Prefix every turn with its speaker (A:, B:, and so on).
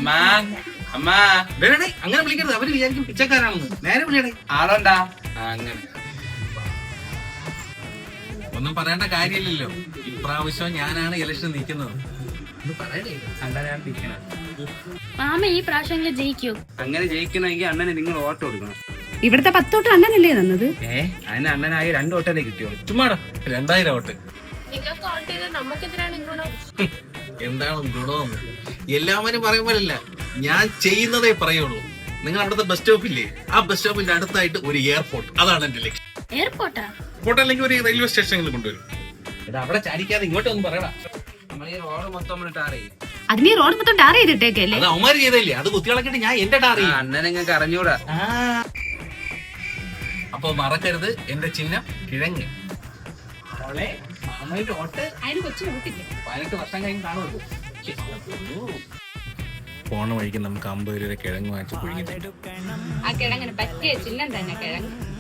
A: അങ്ങനെ വിളിക്കരുത്, അവര് വിചാരിക്കും പിച്ചക്കാരാണെന്ന്. നേരെ വിളിയടേ.
B: ആളോണ്ടാ അങ്ങനെ
A: ഒന്നും പറയേണ്ട കാര്യമില്ലല്ലോ. ഇപ്രാവശ്യം ഞാനാണ് ഇലക്ഷൻ നിൽക്കുന്നത്.
C: മാമ ഈ പ്രാവശ്യം ജയിക്കൂ.
B: അങ്ങനെ ജയിക്കണമെങ്കിൽ അണ്ണനെ നിങ്ങൾ വോട്ട് കൊടുക്കണം.
C: ഇവിടുത്തെ 10 വോട്ട് അണ്ണനല്ലേ തന്നത്?
B: അതിന് അണ്ണനായി 2 വോട്ടല്ലേ കിട്ടിയോളൂ.
A: ചുമ്മാടോ, 2000 വോട്ട്. എന്താണ് ഗുണമെന്ന് എല്ലാവരും പറയുമ്പോഴല്ല, ഞാൻ ചെയ്യുന്നതേ പറയുള്ളൂ. നിങ്ങൾ അവിടുത്തെ ബസ് സ്റ്റോപ്പില്ലേ, ആ ബസ് സ്റ്റോപ്പിന്റെ അടുത്തായിട്ട് ഒരു എയർപോർട്ട്, അതാണ് എന്റെ ലക്ഷ്യം.
C: എയർപോർട്ടാ?
A: എയർപോർട്ട് അല്ലെങ്കിൽ ഒരു റെയിൽവേ സ്റ്റേഷനിൽ കൊണ്ടുവരും. അവിടെ ചാടിക്കാതെ ഇങ്ങോട്ടൊന്നും പറയടാ.
B: നമ്മൾ ഈ റോഡ് മൊത്തം ടാർ ചെയ്യും.
C: അതിന് റോഡ് മൊത്തം ടാർ ചെയ്തിട്ടേക്കല്ലേ?
A: അത് അവന്മാര് ചെയ്തല്ലേ, അത് കുത്തികളക്കിട്ട് ഞാൻ എന്റെ ടാർ ചെയ്യും.
B: അണ്ണനെ നിങ്ങൾക്ക് അറിഞ്ഞൂടാ.
A: അപ്പൊ മറക്കരുത്, എന്റെ ചിഹ്നം കിഴങ്ങ്.
C: അതിന് കൊച്ചു നോക്കില്ലേ?
A: 18 വർഷം കഴിഞ്ഞ് കാണുമല്ലോ. പോണ വഴിക്ക് നമുക്ക് 50 രൂപ കിഴങ്ങ് വാങ്ങിച്ച് പുഴുങ്ങി.
C: ആ കിഴങ്ങിന് പറ്റിയ ചിഹ്നം തന്നെ കിഴങ്ങ്.